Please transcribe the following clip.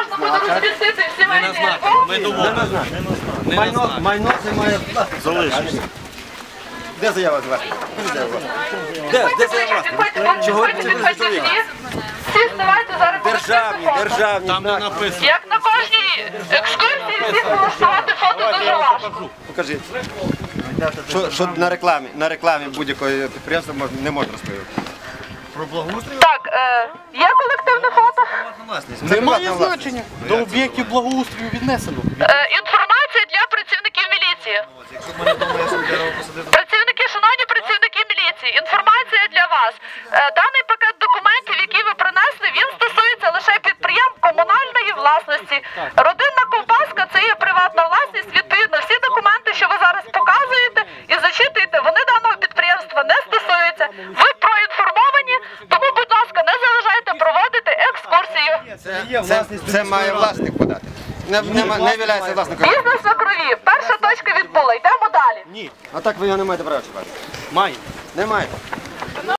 можна буде розмістити всі майні. Майно це має залишитися. Де заява з вас? Де заява? Чого це не всі вставайте зараз. Державні. Там не написано. Як на кожній екскурсії всіх влаштувати фото дуже важко. Покажіть. Що на рекламі будь-якого підприємства не можна розповідати. Про благоустрій? Так, є колективне фото? Немає значення. До об'єктів благоустрою віднесено. Інформація для працівників міліції. Працівники, шановні працівники міліції, інформація для вас. Даний пакет документів, який ви принесли, він стосується лише підприємств комунальної власності. Родинна ковбаска – це є приватна власність. Відповідно, всі документи, що ви зараз показуєте і зачитуєте, вони даного підприємства не стосуються. Ви проінформовані, тому, будь ласка, не заважайте проводити екскурсію. Це має власник подати. Не являється власником. Бізнес на крові. Перша точка відбула. Йдемо далі. Ні. А так ви його не маєте права чіпати. Має. Не маєте.